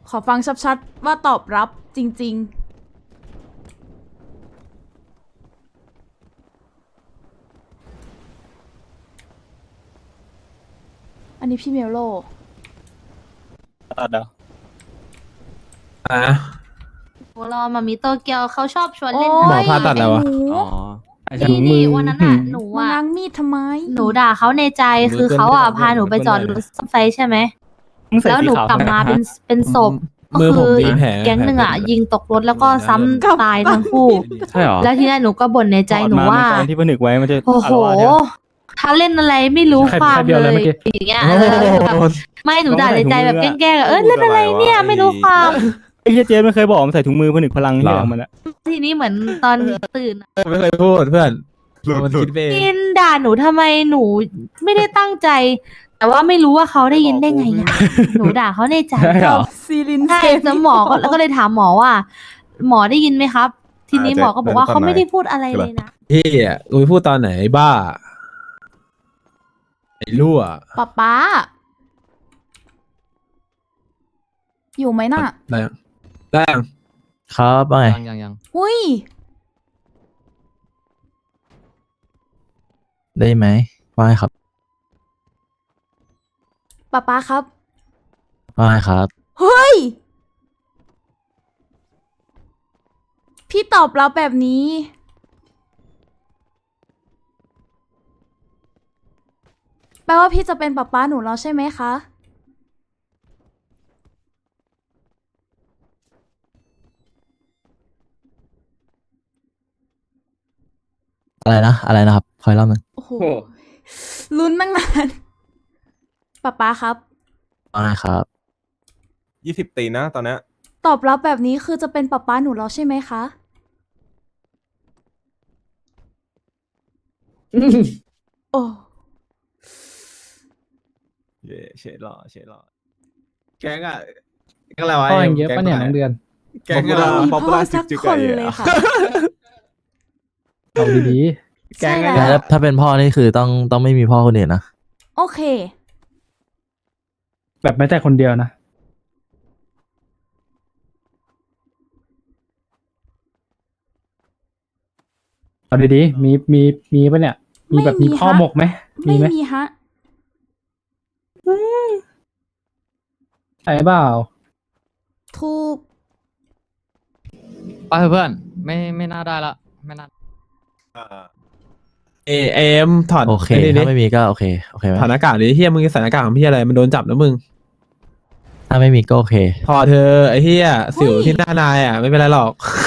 ขอฟังชัดๆว่าตอบรับจริงๆ อันนี้พี่เมลโลตัดเดาโอ้รอมามิโตเกียวเขาชอบชวนเล่นโอ้ยหมอผ่าตัดแล้ววะไอ้หนูอ๋อนี่วันนั้นอ่ะหนูมาอ่ะง้างมีดทำไมหนูด่าเขาในใจคือเขาอ่ะพาหนูไปจอดรถซ่อมไฟใช่ไหมแล้วหนูกลับมาเป็นศพก็มือผคืมอมีแผลแก๊งหนึ่งอ่ะยิงตกรถแล้วก็ซ้ำตายทั้งคู่ใช่หรอแล้วทีนี้หนูก็บ่นในใจหนูว่าที่ผนึกไว้มันจะโอ้โห ถ้าเล่นอะไรไม่รู้ความเลยอย่างเงี้ยไม่หนูด่าในใจแบบแกล้งๆเล่นอะไรเนี่ยไม่รู้ความไอ้เจ๊ไม่เคยบอกมันใส่ถุงมือผนึกพลังที่ของมันอะทีนี้เหมือนตอนตื่นไม่เคยพูดเพื่อนมันคิดไปเองกินด่าหนูทำไมหนูไม่ได้ตั้งใจ แต่ว่าไม่รู้ว่าเขาได้ยินได้ไงอ่ะหนูด่าเขาในใจใช่หรอซีลินใช่แล้วหมอก็แล้วก็เลยถามหมอว่า หมอได้ยินไหมครับ ทีนี้หมอก็บอกว่าเขาไม่ได้พูดอะไรเลยนะพี่อ่ะกูไปพูดตอนไหนไอ้บ้าไอ้รั่วป๊าอยู่ไหมน่ะได้ยังได้ยังครับว่าไงยังอุ้ยได้ไหมว่าไงครับป๊าครับว่าไงครับเฮ้ย พี่ตอบรับแบบนี้ แปลว่าพี่จะเป็นป๊าหนูแล้วใช่ไหมคะอะไรนะครับคอยเล่าหนึ่งโอ้โห ลุ้นตั้งนานป๊าครับว่าไงครับ 20 ตีนะตอนเนี้ยตอบรับแบบนี้คือจะเป็นป๊าหนูแล้วใช่ไหมคะ โอ้เย่เฉยหล่อเฉยหล่อแก๊งอ่ะแก๊งอะไรวะพ่อยังเยอะปะเนี่ยน้องเดือนแกงอะไรไม่มีป๊อปพ่ปูอล่าสักจุกคนไก่เลยอะค่ะเอาดีใช่แต่แล้วถ้าเป็นพ่อนี่คือต้องไม่มีพ่อคนอื่นนะโอเคๆแบบไม่แต่คนเดียวนะ เอาดีๆมีปะเนี่ย มีแบบไม่มีมีข้อฮะหมกไหมไม่ไหมมีฮะใช่เปล่าถูกไปเถอะเพื่อนไม่น่าได้ละไม่น่าเอ็มถอดโอเคไอ้นี่ดิถ้าไม่มีก็โอเคไหมถอดหน้ากากดิเฮียมึงใส่หน้ากากของพี่อะไรมันโดนจับนะมึงถ้าไม่มีก็โอเคพอเธอไอ้เฮียสิวที่หน้านายอ่ะไม่เป็นไรหรอก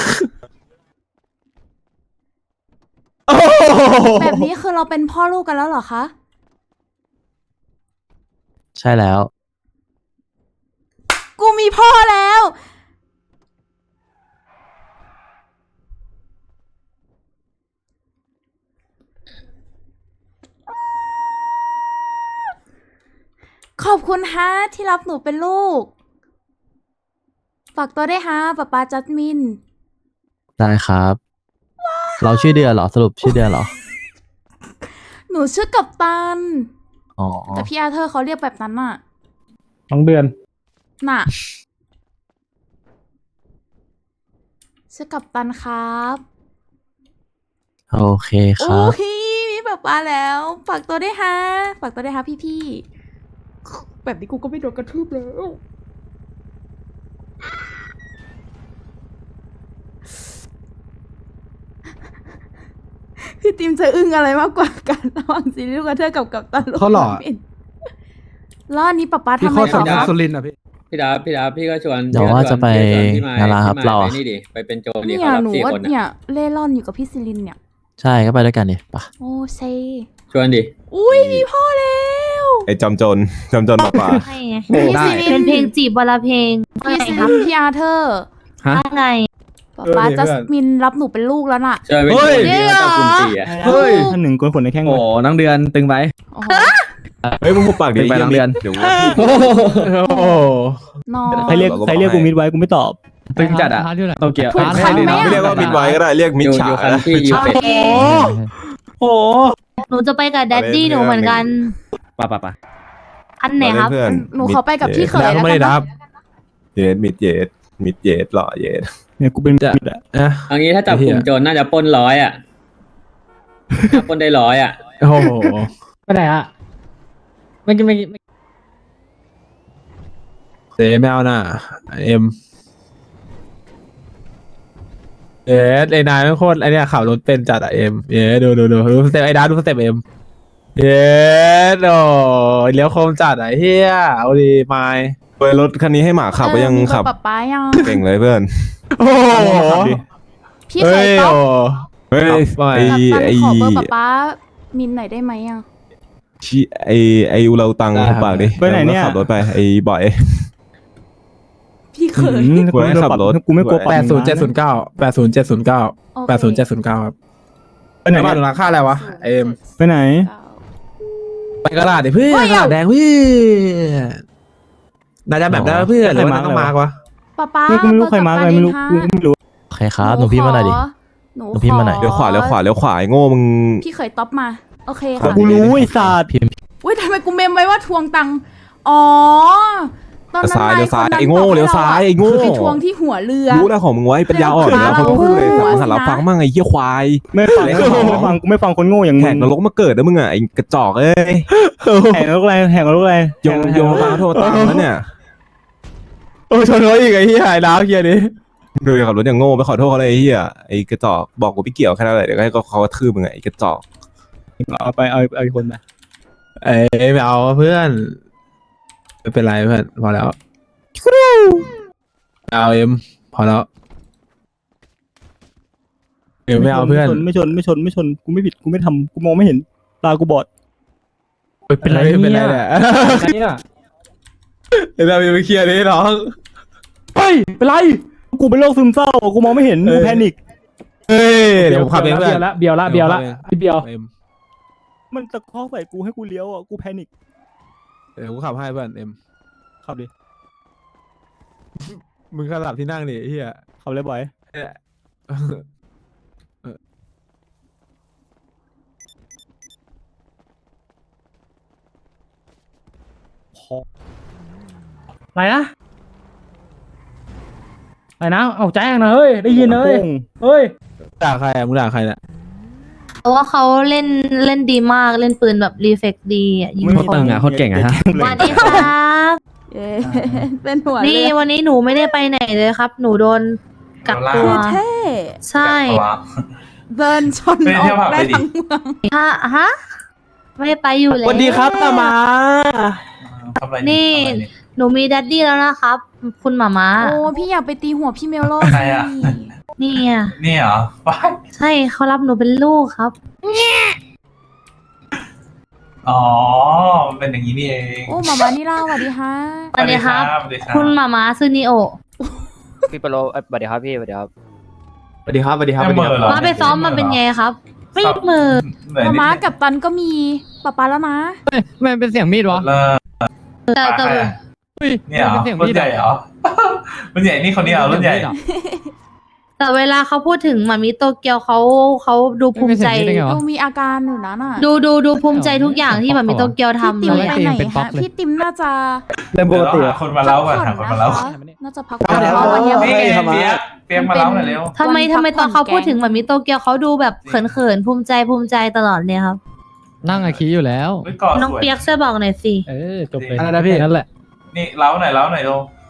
แบบนี้คือเราเป็นพ่อลูกกันแล้วเหรอคะใช่แล้วกูมีพ่อแล้ว ขอบคุณฮะที่รับหนูเป็นลูก ฝากตัวได้วยฮะป๊าจัสมินได้ครับ เราชื่อเดือนเหรอสรุปชื่อเดือนเหรอหนูชื่อกัปตันอ๋อแต่พี่อาเธอร์เขาเรียกแบบนั้นน่ะน้องเดือนน่ะ ชื่อกัปตันครับโอเคคโอ้รับยมีป๊าแล้ว ฝากตัวได้วยฮะ ฝากตัวได้วยฮะพี่ๆ แบบนี้กูก็ไม่โดนกระทืบแล้ว พี่ติมจะอึ้งอะไรมากกว่ากันระหว่างซีรีส์ลูกกระเทยกับกัปตันลูกเขาหล่อบินแล้วอันนี้ป๊าพี่ทำโคไมตรต่สัอญญาคะสุรินทร์อ่ะพี่พี่ดาพี่ก็ชวนเดี๋ยวว่าจะไปพี่มงานร้านครับพี่มเราไปอะนี่ดิไปเป็นโจรดิเนี่ยเขารับหนูสี่ว่าคนเนี่อะยเล่ร่อนอยู่กับพี่ซิลินเนี่ยใช่ก็ไปด้วยกันดิปะโอ้เซชวนดิอุ้ยมีพ่อแล้วไอ้จอมโจรป่าใช่ไงพี่ซิลิเป็น นเพลงจีบวันละเพลงพี่ซิลินพี่อาเธอร์ว่าไงป๊าจัสมินรับหนูเป็นลูกแล้วน่ะชวนเป็นโจรดิว่าต้องคุมตีอะเฮ้ยท่านหนึ่งกวนขนในแข้งโอ้น้องเดือนตึงไปโอ้โหเฮ้ยมึงหุบปากดิเป็นไปโรงเรียนเดี๋ยวโอ้โหน้องใครเรียกกูมิดไว้กูไม่ตอบตึงจัดอะโตเกียวถูกคันไหมไม่เรียกอะว่ามิดไว้ก็ได้เรียกมิดอยู่ฉาอยู่คันที่ยูเป็ดโอ้หนูจะไปกับแดดดี้หนูเหมือนกันปะอันไหนครับเพื่อนหนูขอไปกับพี่เขยแล้วแล้วไม่กัได้นรันะบเย็ดมิดเย็ดมิดเย็ดหล่อเย็ดเนี่ยกูเป็นมิดอะนะเอางี้ถ้าจับกลุ่มโจรน่าจะปล้น100อ่ะน่าปล้นได้100อ่ะโอ้โหไปไหนอะไม่กินเจ๊ไม่เอาน่ะเอ็มเอ๊ะไอ้นายไม่โคตรไอ้เนี่ยขับรถเป็นจัดอะเอ็มเอ๊ะดูสเต็ปไอ้ดาดูสเต็ปเอ็มเอ๊ะโอ้เลี้ยวโคมจัดอะเฮียเอาดีไม้เว้ยรถคันนี้ให้หมาขับก็ยังมีเบอขับร์ป๊าป๊ายังเก่งเลยเพื่อนโอ้โหขับดิพี่เคยต๊อปเฮ้ยไม่ไอกับตันไอขอเบอร์ป๊าป๊ามินหน่อยได้ไหมอ่ะชิไออุเราตังหุบปากดิไปไหนเนี่ยขับรถไปไอบ่อยพี่เคยกูให้ขับรถกูไม่กลัวปรับ 80 ครับไปไหนบ้านเนี่ยหลังค่าอะไรวะเอ็มไปไหนไปกระดาษดิเพื่อนกระดาษแดงเพื่อนนายจะแบบได้เพื่อนหรือว่าต้องมากวะป๊าป๊ากูไม่รู้ใครมาร์กอะไรไม่รู้กูไม่รู้โอเคครับหนูพิมพ์มาหน่อยดิหนูหนูพิมพ์มาหน่อยเลี้ยวขวาเลี้ยวขวาเลี้ยวขวาไอโง่มึงพี่เคยต๊อปมา โอเคครัค่ะบกูรู้ไอ้ศาสตร์พิมพ์อุ้ยทำไมกูเมมไว้ว่าทวงตังค์อ๋อตอนนั้นซ้ายนายเลี้ยวซ้ายคนนั้นไอ้โง่บกให้เลี้ยวซ้ายไอ้โง่ไปทวงที่หัวเรือรู้แล้วของมึงไว้ปัญญาอ่อนแล้วเขาก็พูดเลยแต่มึงหันหลังฟังมั่งไอ้เหี้ยควายไม่ฟังกูไม่ฟังคนโง่อย่างแหมึกงนรกมาเกิดนะมึงอ่ะไอ้กระจอกเอ้ยแหกนรกอะไรแหกนรกอะไรโยงมาโทษตามแล้วเนี่ยโอ้ชนเขาอีกไอ้เหี้ยไอ้ดาวเฮียดิดูขับรถอย่างโง่ไปขอโทษเขาเลยไอ้เหี้ยไอ้กระจอกบอกกูไม่เกี่ยวแค่นั้นแหละเดี๋ยวให้เขากระทืบมึงไงไอ้กระจอกเอาไปเอาอีกคนไปเอ้ยไม่เอาเพื่อนไม่เป็นไรเพื่อนพอแล้วเอาเอ็มพอแล้วเอ็มไม่เอาเพื่อนไม่ชนกูไม่ผิดกูไม่ทำกูมองไม่เห็นตากูบอดเป็นไรเป็นไรเนี่ยเนี่ยเดี๋ยวเราไปเคลียร์ดิน้องเฮ้ยเป็นไรกูเป็นโรคซึมเศร้ากูมองไม่เห็นกูแพนิคเฮ้ยเดี๋ยวผมขับเองเพื่อนเบียวละพี่เบียวเอ็มมันตะคอกใส่กูให้กูเลี้ยวอ่ะกูแพนิคเดี๋ยวกูขับให้เพื่อนเอ็มขับดิมึงขลับที่นั่งดิไอ้เฮียขับเลยบ่อยพออะไรนะเอาแจ้งนะเฮ้ยได้ยินเลยเฮ้ยด่าใครอ่ะมึงด่าใครเนี่ยเพราะว่าเขาเล่นดีมากเล่นปืนแบบรีเฟกดีอ่ะยิงไม่คมีนตังค์อ่ะโคตรเก่งอ่ะสวัสดีครับเย้เป็นหัวนี่เรือวันนี้หนูไม่ได้ไปไหนเลยครับ หนูโดนกักตัคืวอเท่ใช่เดินชนออกได้ทั้งเมืองฮะไม่ได้ไปอยู่แล้วสวัสดีครับตามานี่หนูมีดัดดี้แล้วนะครับ คุณหมาม้าโอ้พี่อยากไปตีหัวพี่เมลโล่ใครอะนี่อ่ะนี่เหรอว้ายใช่เขารับหนูเป็นลูกครับอ๋อมันเป็นอย่างนี้นี่เองโอ้หมามานี่ล่าสวัสดีฮะสวัสดีครับสวัสดีครับคุณหมาม้าซูนิโอพี่โปโลสวัสดีครับพี่สวัสดีครับสวัสดีครับสวัสดีครับไม่เหม่อเหรอมาไปซ้อมมาเป็นไงครับ ไม่มือเหนื่อยหมานิดม้านึงกับตันก็มีป๊าป๊าแล้วนะมันเป็นเสียงมีดวะเลิกแต่ใครอะ เนี่ยเหรอเป็นเสียงรุ่มีนดใหญ่เหรอ รุ่นใหญ่นี่คนนี้เหรอรุ่นใหญ่แต่เวลาเขาพูดถึงหมามิโตเกียวเขาดูภูมิใจดูมีอาการอยู่นะน่ะดูภูมิใจทุกอย่างที่หมามิโตเกียวพี่ทำติมเลยไปอะไหนเป็นป๊อฮะปเลยพี่ติมน่าจะเริ่มปกติเดี๋ยวเราหาคนมาเล่าก่อนหาคนมาเล่าพักผ่อนนะคะน่าจะพักผ่อนเพราะวันเนี้ยนี่ไงเปียกเปียกมาเล่าหน่อยเร็วทำไมวันพักตอนเขาผ่อนแกงพูดถึงหมามิโตเกียวเขาดูแบบเขินภูมิใจตลอดเลยครับนั่งอาคีอยู่แล้วเฮ้ยเกาะน้องสวยเปียกช่วยบอกหน่อยสิจบเลยอะไรนะพี่นั่นแหละนี่เล่าหน่อยเล่าหน่อยลง